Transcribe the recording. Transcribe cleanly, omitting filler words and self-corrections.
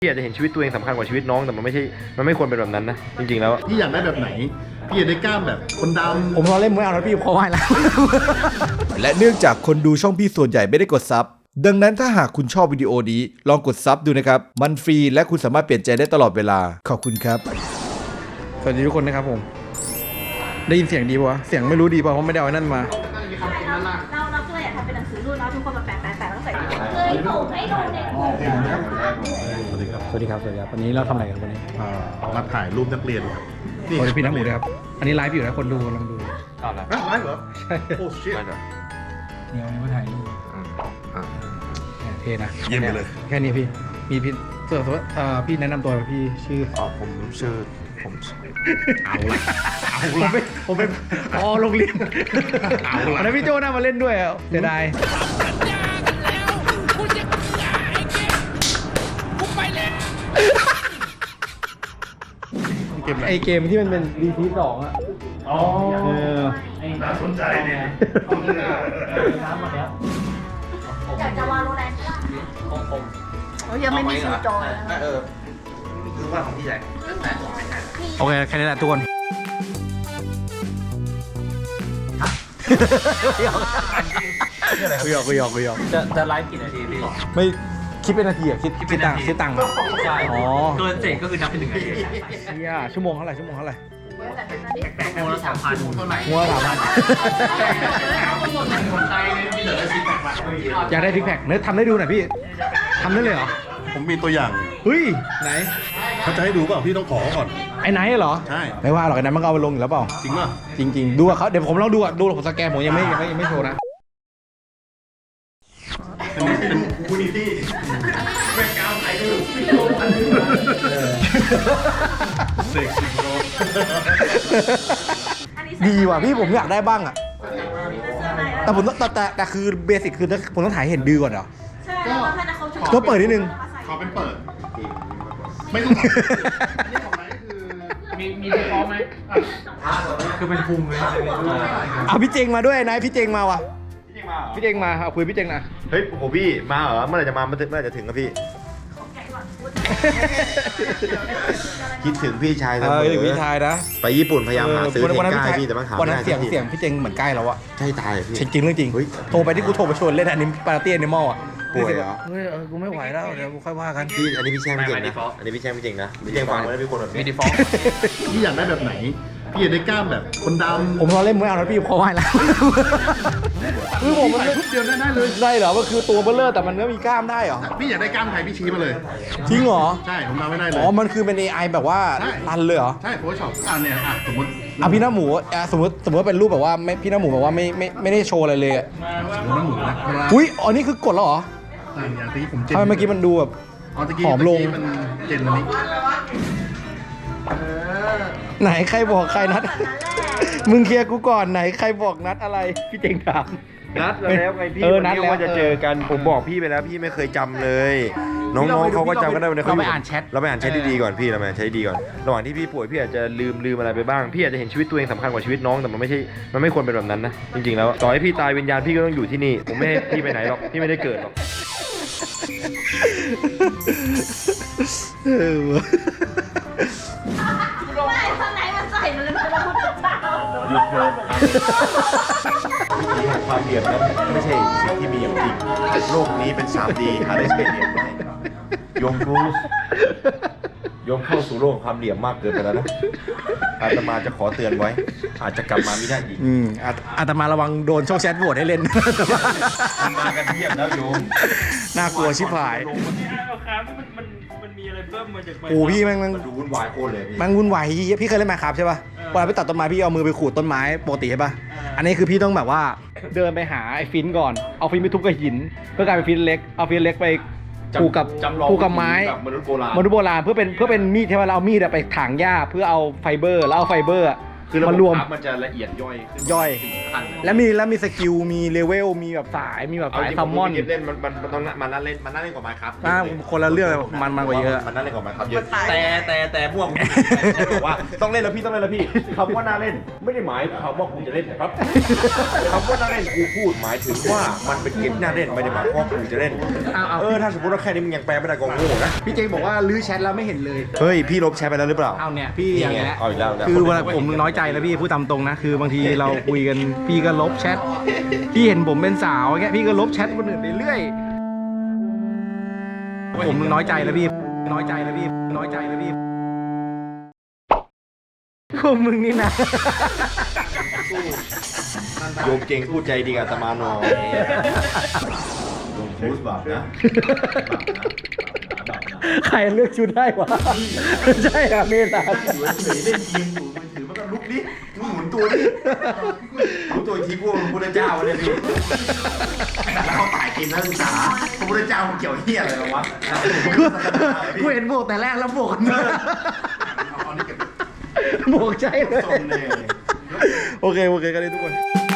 พี่อาจจะเห็นชีวิตตัวเองสำคัญกว่าชีวิตน้องแต่มันไม่ควรเป็นแบบนั้นนะจริงๆแล้วพี่อยากได้แบบไหนพี่อยากได้กล้ามแบบคนดำผมรอเล่นมวยเอาแล้วพี่พอไหวแล้วและเนื่องจากคนดูช่องพี่ส่วนใหญ่ไม่ได้กดซับดังนั้นถ้าหากคุณชอบวิดีโอนี้ลองกดซับดูนะครับมันฟรีและคุณสามารถเปลี่ยนใจได้ตลอดเวลาขอบคุณครับสวัสดีทุกคนนะครับผมได้ยินเสียงดีป่ะเสียงไม่รู้ดีป่ะเพราะไม่ได้เอาไอ้นั่นมาเราก็เลยอยากทำเป็นหนังสือรุ่นแล้วทุกคนมาแปะต้องใส่เลยส่งให้ดูเด็กสวัสดีครับวันนี้เราทำอะไรกันวันนี้มาถ่ายรูปนักเรียนครับสวัสดีพี่น้ำหมูด้วยครับอันนี้ไลฟ์อยู่นะคนดูกำลังดูไลฟ์เหรอใช่โอ้ชิตเนี่ยวันนี้มาถ่ายรูปเท่นะเยี่ยมไปเลยแค่นี้พี่มีพี่ส่วนพี่แนะนำตัวพี่ชื่อผมชื่อผมเป็นโรงเรียนอันนั้นพี่โจ้น่ามาเล่นด้วยเสียดายไอเกมที่มันเป็น DT2 อ่ะอ๋อน่าสนใจเนี่ยอยากจะวาโลแรนต์ก็ยังไม่มีซูจอยคือว่าของพี่ใหญ่โอเคแค่นี้แหละทุกคนคุยหยอกจะไลฟ์กี่นาทีพี่ไม่คิดเป็นนาทีอ่ะคิดตังค์ใช่อ๋อเกินเสร็จก็คือนับเป็น1 นาทีเนี่ยชั่วโมงเท่าไหร่โมงละ3,000 หัว3,000อยากได้ซิกแพคเนื้อทำได้ดูหน่อยพี่ทำได้เลยเหรอผมมีตัวอย่างเฮ้ยไหนเขาจะให้ดูเปล่าพี่ต้องขอก่อนไอ้ไหนเหรอใช่ไม่ว่าหรอกไอ้นั้นมันก็เอาไปลงอยู่แล้วเปล่าจริงป่ะจริงดูเขาเดี๋ยวผมลองดูผมสแกนผมยังไม่โชว์นะเป็นคูนิตี้เป็นกาวไทยดูเซ็กซี่โรดีว่ะพี่ผมอยากได้บ้างอ่ะแต่ผมแต่คือเบสิกคือผมต้องถ่ายเห็นดือก่อนเหรอใช่ก็เปิดนิดนึงขอเป็นเปิดไม่ต้องมีดีฟอลไหมคือเป็นพุงเลยเอาพี่เจงมาด้วยนายพี่เจงมาว่ะพี่เจงมาเอาคุยพี่เจงนะเฮ้ยโหพี่มาเหรอเมื่อไหร่จะมาเมื่อไหร่จะถึงครับพี่คิดถึงพี่ชายเสมอพี่ชายนะไปญี่ปุ่นพยายามหาซื้อเพลงใกล้พี่แต่มันหาไม่ได้เสียงพี่เจงเหมือนใกล้แล้วอะใช่ตายพี่จริงเรื่องจริงโทรไปที่กูโทรไปชวนเล่นอันนี้ปาร์ตี้ในมอลอะป่วยเหรอเฮ้ยกูไม่ไหวแล้วเดี๋ยวกูค่อยว่ากันพี่อันนี้พี่แช่งไม่เก่งนะอันนี้พี่แช่งไม่เก่งนะพี่แช่งฟังแล้วพี่คนแบบมีดีฟอลพี่อยากได้แบบไหนพี่อยากได้กล้ามแบบคนดำผมรอเล่นมวยเอาแล้วพี่พอไหวแล้วคือผมมันทุกเดียวได้เลยได้เหรอมันคือตัวเบลเลอร์แต่มันก็มีกล้ามได้เหรอพี่อยากได้กล้ามไทยพี่ชี้มาเลยจริงเหรอใช่ผมทำไม่ได้เลยอ๋อมันคือเป็น AI แบบว่ารันเลยเหรอใช่โพสช็อปเนี่ยสมมติพี่น้าหมูสมมติเป็นรูปแบบว่าไม่พี่น้าหมูแบบว่าไม่ได้โชว์อะไรเลยน้ำหมูนะอุ้ยอ๋อนี่คือกดแล้วเหรออย่างที่ผมเจนทำไมเมื่อกี้มันดูแบบหอมลงมันเจนอันนี้ไหนใครบอกใครนัดมึงเคลียร์กูก่อนไหนใครบอกนัดอะไรพี่เจงถามนัดแล้วไงพี่นัดแล้วว่าจะเจอกันผมบอกพี่ไปแล้วพี่ไม่เคยจำเลยน้องๆเขาก็จำกันได้เราไปอ่านแชทดีก่อนพี่เราไปอ่านแชทดีก่อนระหว่างที่พี่ป่วยพี่อาจจะลืมอะไรไปบ้างพี่อาจจะเห็นชีวิตตัวเองสำคัญกว่าชีวิตน้องแต่มันไม่ควรเป็นแบบนั้นนะจริงๆแล้วต่อให้พี่ตายวิญญาณพี่ก็ต้องอยู่ที่นี่ผมไม่ให้พี่ไปไหนหรอกพี่ไม่ได้เกิดหรอกไม่ข้างในมันใส่มันเลยมันพูดกับเราหยุดเลยความเหลี่ยมนั้นไม่ใช่สิ่งที่มีอยู่จริงโลกนี้เป็น 3D หาได้ใช้เหลี่ยมได้โยมเข้าสู่โลกความเหลี่ยมมากเกินไปแล้วนะอาตมาจะขอเตือนไว้อาจจะกลับมาไม่ได้อีกอาตมาระวังโดนช่องแชทโหวตให้เล่นมากันเทียบแล้วโยมน่ากลัวชิบหายมันมีอะไรเพิ่มมาจากโอ้พี่แม่งดูวุ่นวายโคตรเลยแม่งวุ่นวายพี่เคยเล่นไมน์คราฟใช่ป่ะเวลาไปตัดต้นไม้พี่เอามือไปขูดต้นไม้ปกติใช่ป่ะอันนี้คือพี่ต้องแบบว่าเดินไปหาไอ้ฟินก่อนเอาฟินไปทุบกับหินเพื่อกลายเป็นฟินเล็กเอาฟินเล็กไปผูกกับไม้มนุษย์โบราณเพื่อเป็นมีดใช่ไหมเราเอามีดไปถางหญ้าเพื่อเอาไฟเบอร์แล้วเอาไฟเบอร์คือระบบมารวมคราฟมันจะละเอียดย่อยขึ้นย่อยขั้นแล้วมีสกิลมีเลเวลมีแบบสายมีแบบเอาสายจริงซัมมอนผมเล่นมันต้องมันน่าเล่นกว่าไม้ครับคนละเรื่องเลยมันกว่าเยอะมันน่าเล่นกว่าไม้ครับเยอะแต่พวกบอกว่าต้องเล่นแล้วพี่คำว่าน่าเล่นไม่ได้หมายความว่าคุณจะเล่นนะครับคำว่าน่าเล่นกูพูดหมายถึงว่ามันเป็นเกมที่น่าเล่นไม่ได้หมายความว่ากูจะเล่นถ้าสมมติว่าแค่นี้มึงยังแปลไม่ได้ก็โง่นะพี่เจบอกว่าลื้อแชทแล้วไม่เห็นเลยเฮ้ยพี่ลบแชทไปแล้วหรือเปล่าเอาเนี่ยพี่อย่างเงี้ยเอาอีกแล้วคือเวลาผมน้อยใจแล้วพี่พูดตามตรงนะคือบางทีเราคุยกันพี่ก็ลบแชทพี่เห็นผมเป็นสาวอย่างเงี้ยพี่ก็ลบแชทคนอื่นไปเรื่อยผมน้อยใจแล้วพี่น้อยใจแล้วพี่พวกมึงนี่นะโยมเก่งพูดใจดีกับอาตมาหน่อยโยมพูดบาปนะใครเลือกชุดได้วะใช่ครับเมตาอยู่เฉยๆเล่นเกมอยู่มือถือมันก็ลุกดิมึงหมุนตัวดิหมุนตัวอีกทีพวกพระพุทธเจ้าเลยพี่แล้วเขาถ่ายกินนักศึกษาพระพุทธเจ้ามันเกี่ยวเหี้ยอะไรกับวะกูเห็นโบกแต่แรกแล้วโบกเอานี่เก็บโบกใช่เลยทรงเลยโอเคกันเลยทุกคน